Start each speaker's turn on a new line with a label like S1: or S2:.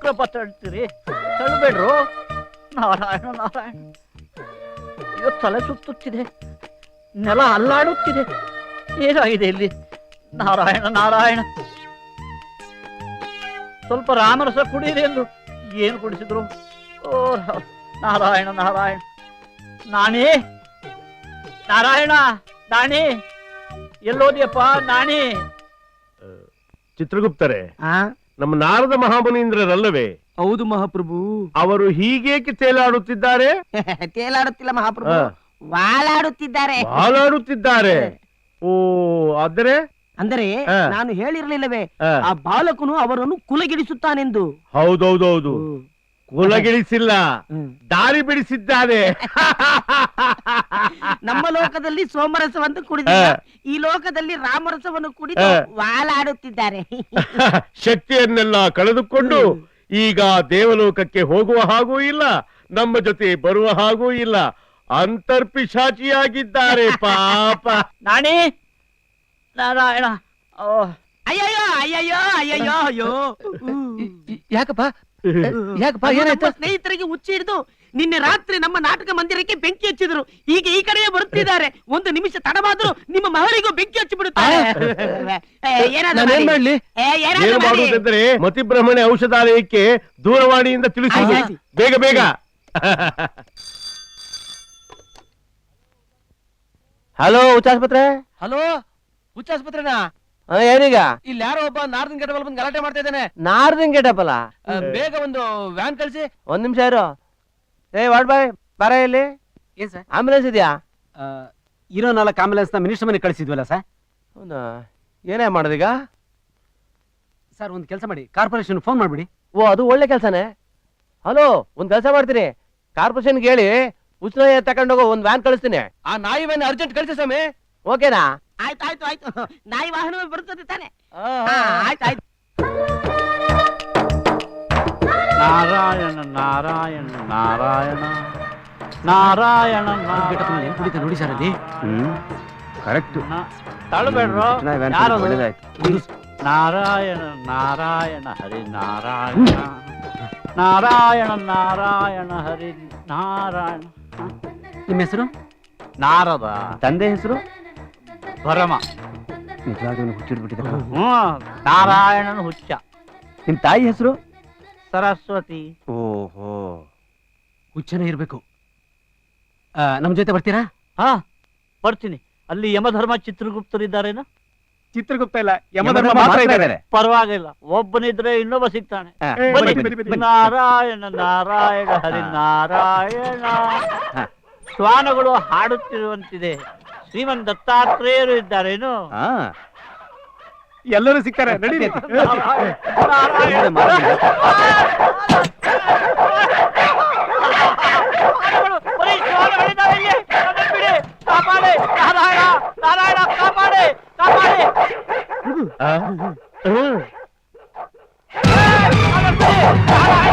S1: ಯಾಕ್ರಪ್ಪ ತಳ್ತೀರಿ? ತಳ್ಳಬೇಡ್ರು. ನಾರಾಯಣ ನಾರಾಯಣ. ಇವತ್ತು ತಲೆ ಸುತ್ತುತ್ತಿದೆ, ನೆಲ ಅಲ್ಲಾಡುತ್ತಿದೆ. ಏನಾಗಿದೆ ಇಲ್ಲಿ? ನಾರಾಯಣ ನಾರಾಯಣ. ಸ್ವಲ್ಪ ರಾಮರಸ ಕುಡಿಯಿರಿ ಎಂದು ಏನು ಕುಡಿಸಿದ್ರು? ಓ ನಾರಾಯಣ ನಾರಾಯಣ. ನಾಣಿ, ನಾರಾಯಣ, ನಾಣಿ, ಎಲ್ಲೋದಿಯಪ್ಪ ನಾಣಿ?
S2: ಚಿತ್ರಗುಪ್ತರೆ, ನಮ್ಮ ನಾರದ ಮಹಾಮುನೀಂದ್ರರಲ್ಲವೇ?
S3: ಹೌದು ಮಹಾಪ್ರಭು.
S2: ಅವರು ಹೀಗೇಕೆ ತೇಲಾಡುತ್ತಿದ್ದಾರೆ?
S4: ತೇಲಾಡುತ್ತಿಲ್ಲ ಮಹಾಪ್ರಭು, ವಾಲಾಡುತ್ತಿದ್ದಾರೆ.
S2: ಹಾಲಾಡುತ್ತಿದ್ದಾರೆ. ಓ, ಆದರೆ
S4: ಅಂದರೆ ನಾನು ಹೇಳಿರಲಿಲ್ಲವೇ, ಆ ಬಾಲಕನು ಅವರನ್ನು ಕುಲಗಿಡಿಸುತ್ತಾನೆಂದು.
S2: ಹೌದೌದೌದು, ಕುಲಗಿಳಿಸಿಲ್ಲ, ದಾರಿ ಬಿಡಿಸಿದ್ದಾನೆ.
S4: ನಮ್ಮ ಲೋಕದಲ್ಲಿ ಸೋಮರಸವನ್ನು ಕುಡಿದ, ಈ ಲೋಕದಲ್ಲಿ ರಾಮರಸವನ್ನು ಕುಡಿದು ವಾಲಾಡುತ್ತಿದ್ದಾರೆ.
S2: ಶಕ್ತಿಯನ್ನೆಲ್ಲ ಕಳೆದುಕೊಂಡು ಈಗ ದೇವಲೋಕಕ್ಕೆ ಹೋಗುವ ಹಾಗೂ ಇಲ್ಲ, ನಮ್ಮ ಜೊತೆ ಬರುವ ಹಾಗೂ ಇಲ್ಲ, ಅಂತರ್ಪಿಶಾಚಿಯಾಗಿದ್ದಾರೆ ಪಾಪ.
S1: ನಾಣಿ, ನಾರಾಯಣ.
S4: ಅಯ್ಯಯ್ಯೋ ಅಯ್ಯಯ್ಯೋ ಅಯ್ಯಯ್ಯೋ ಅಯ್ಯೋ.
S3: ಯಾಕಪ್ಪ ಯಾಕಪ್ಪ, ಏನಾಯ್ತು?
S4: ಸ್ನೇಹಿತರಿಗೆ ಹುಚ್ಚಿ ಹಿಡಿದು ನಿನ್ನೆ ರಾತ್ರಿ ನಮ್ಮ ನಾಟಕ ಮಂದಿರಕ್ಕೆ ಬೆಂಕಿ ಹಚ್ಚಿದ್ರು. ಈಗ ಈ ಕಡೆಯೇ ಬರುತ್ತಿದ್ದಾರೆ. ಒಂದು ನಿಮಿಷ ತಡವಾದ್ರು ನಿಮ್ಮ ಮಹಲಿಗೂ ಬೆಂಕಿ ಹಚ್ಚಿ ಬಿಡುತ್ತಾರೆ.
S3: ನಾನೇನ್ ಮಾಡ್ಲಿ?
S2: ಏನು ಮಾಡುವುದೆಂದರೆ ಮತಿಭ್ರಮಣೆ ಔಷಧಾಲಯಕ್ಕೆ ದೂರವಾಣಿಯಿಂದ ತಿಳಿಸಿ, ಬೇಗ ಬೇಗ.
S3: ಹಲೋ ಹುಚ್ಚಾಸ್ಪತ್ರೆ. ಹಲೋ ಹುಚ್ಚಾಸ್ಪತ್ರೆನಾ? ಏನೀಗ? ಇಲ್ಲಿ ಯಾರೋ ಒಬ್ಬ ನಾರ್ದನ್ ಗೆಟಬಲ್ ಬಂದು ಗಲಾಟೆ ಮಾಡ್ತಾ ಇದ್ದಾನೆ. ನಾರ್ದನ್ ಗೆಟಬಲ? ಬೇಗ ಒಂದು ವ್ಯಾನ್ ಕಳಿಸಿ. ಒಂದ್ ನಿಮಿಷ ಇರು. ವಾರ್ಡ್ ಬಾಯ್, ಬರ ಇಲ್ಲಿ. ಏನ್ ಸರ್, ಆಂಬುಲೆನ್ಸ್ ಇದೆಯಾ?
S5: ಇರೋ 4 ಆಂಬುಲೆನ್ಸ್ ನ ಮಿನಿಸ್ಟರ್ ಮನೆ ಕಳಿಸಿದ್ವಲ್ಲ ಸರ್.
S3: ಹೌದಾ? ಏನೇ ಮಾಡೋದೀಗ?
S5: ಸರ್ ಒಂದು ಕೆಲಸ ಮಾಡಿ, ಕಾರ್ಪೊರೇಷನ್ ಫೋನ್ ಮಾಡ್ಬಿಡಿ.
S3: ಓ, ಅದು ಒಳ್ಳೆ ಕೆಲಸನೇ. ಹಲೋ, ಒಂದ್ ಕೆಲಸ ಮಾಡ್ತೀನಿ, ಕಾರ್ಪೊರೇಷನ್ಗೆ ಹೇಳಿ ಉಷ್ಣ ತಕೊಂಡೋಗೋ ಒಂದ್ ವ್ಯಾನ್ ಕಳಿಸ್ತೀನಿ. ಆ ನಾಯಿ ವ್ಯಾನ್ ಅರ್ಜೆಂಟ್ ಕಳಿಸಿ ಸ್ವಾಮಿ. ಓಕೆನಾ?
S4: ಆಯ್ತು ಆಯ್ತು ಆಯ್ತು, ನಾಯಿ ವಾಹನ ಬರುತ್ತದೆ ತಾನೆ. ಆಯ್ತು ಆಯ್ತು.
S1: ನಾರಾಯಣ ನಾರಾಯಣ ನಾರಾಯಣ ನಾರಾಯಣ
S5: ಕುಡಿತ ನೋಡಿ ಸರ್ ಅಲ್ಲಿ.
S3: ಕರೆಕ್ಟ್.
S1: ತಳ್ಳಬೇಡ್ರು. ನಾರಾಯಣ ನಾರಾಯಣ ಹರಿ ನಾರಾಯಣ ನಾರಾಯಣ ನಾರಾಯಣ ಹರಿ ನಾರಾಯಣ.
S5: ನಿಮ್ಮ ಹೆಸರು?
S1: ನಾರದ.
S5: ತಂದೆ ಹೆಸರು?
S1: ಭರಮ.
S5: ನಿಜವಾಗ್ಲೂ ಹುಚ್ಚಿಡ್ಬಿಟ್ಟಿದೆ.
S1: ನಾರಾಯಣನ ಹುಚ್ಚ.
S5: ನಿಮ್ ತಾಯಿ ಹೆಸರು?
S1: ಸರಸ್ವತಿ.
S5: ಓಹೋ, ಹುಚ್ಚನೇ ಇರ್ಬೇಕು. ನಮ್ ಜೊತೆ ಬರ್ತೀರಾ?
S1: ಹಾ, ಬರ್ತೀನಿ. ಅಲ್ಲಿ ಯಮಧರ್ಮ ಚಿತ್ರಗುಪ್ತರಿದ್ದಾರೇನ?
S5: ಚಿತ್ರಗುಪ್ತ ಇಲ್ಲ, ಯಮಧರ್ಮ ಮಾತ್ರ ಇದ್ದಾರೆ.
S1: ಪರವಾಗಿಲ್ಲ, ಒಬ್ಬನಿದ್ರೆ ಇನ್ನೊಬ್ಬ ಸಿಗ್ತಾನೆ. ನಾರಾಯಣ ನಾರಾಯಣ ಹರಿ ನಾರಾಯಣ. ಶ್ವಾನಗಳು ಹಾಡುತ್ತಿರುವಂತಿದೆ. ಶ್ರೀಮನ್ ದತ್ತಾತ್ರೇಯರು ಇದ್ದಾರೇನು?
S5: ಎಲ್ಲರೂ ಸಿಗ್ತಾರೆ, ನಡಿ.
S1: ಕಾಪಾಡೆ ನಾರಾಯಣ ನಾರಾಯಣ, ಕಾಪಾಡೆ ಕಾಪಾಡೆ. ನಾರಾಯಣ